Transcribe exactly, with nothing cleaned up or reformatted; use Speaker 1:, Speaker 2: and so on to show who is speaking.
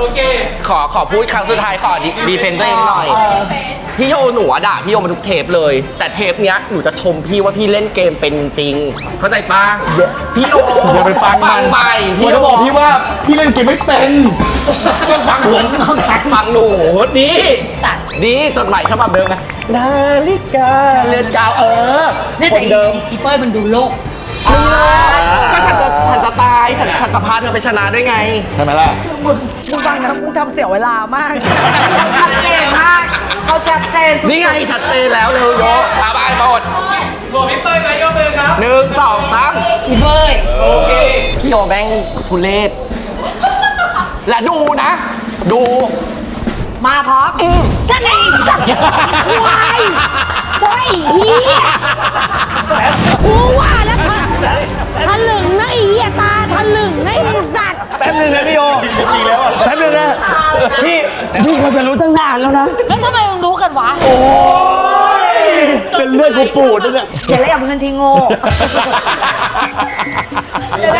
Speaker 1: โอเค
Speaker 2: ขอขอพูดครั้งสุดท้ายขอดีเฟนต์ตัวเองหน่อยพี่โยหนูอะด่าพี่โยมาทุกเทปเลย แต่เทปเนี้ยหนูจะชมพี่ว่าพี่เล่นเกมเป็นจริงเข้าใจปะพี่โย
Speaker 3: อย่าไปฟังมัน
Speaker 2: ฟังใหม่
Speaker 3: พี่จะบอกพี่ว่าพี่เล่นเกมไม่เป็นจะฟังผมเขาไหน
Speaker 2: ฟังหนูดีดีจดหมายฉบับเดิมนะนาฬิกาเรือนกาวเออ
Speaker 4: เนี่ย
Speaker 2: ค
Speaker 4: แต่
Speaker 2: นเดิม
Speaker 4: อีเป้ยมันดูโลก
Speaker 2: ก็ฉันจะฉันจะตายฉันฉันจะพาเธอไปชนะด้วยไง
Speaker 3: ใช่ไหมล่ะ
Speaker 5: มึงฟังนะมึงทำเสียเวลามากชัดเจนมากเขาชัดเจนสุด
Speaker 2: นี่ไงชัดเจนแล้วเร็วโยอาบายบด
Speaker 1: หัวพี่เป้ยไหมยกมือครับ
Speaker 2: หนึ่งสองสาม
Speaker 4: อีเป้ย
Speaker 1: โอเค
Speaker 2: พี่โยแม่งทุเรศและดูนะ ดู
Speaker 5: มาพร้อมนั่นไงสัตว์ควายควายเฮียกูว่าแล้วทะทะลึงนะไอ้เฮียตาทะลึงนะไอ้สัตว์
Speaker 3: แป๊บนึงนะพี่โยจริงแล้วอ่ะแป๊บนึงนะพี่พี่ควรจะรู้ตั้งนานแล้วนะ
Speaker 5: แล้วทำไมมึงรู้กันวะ
Speaker 3: โอ้ยเป็นเลือดกูปูดแล้วเนี่ย
Speaker 5: เดี๋ยวแล้วอย่าเพิ่งทิ้งโง่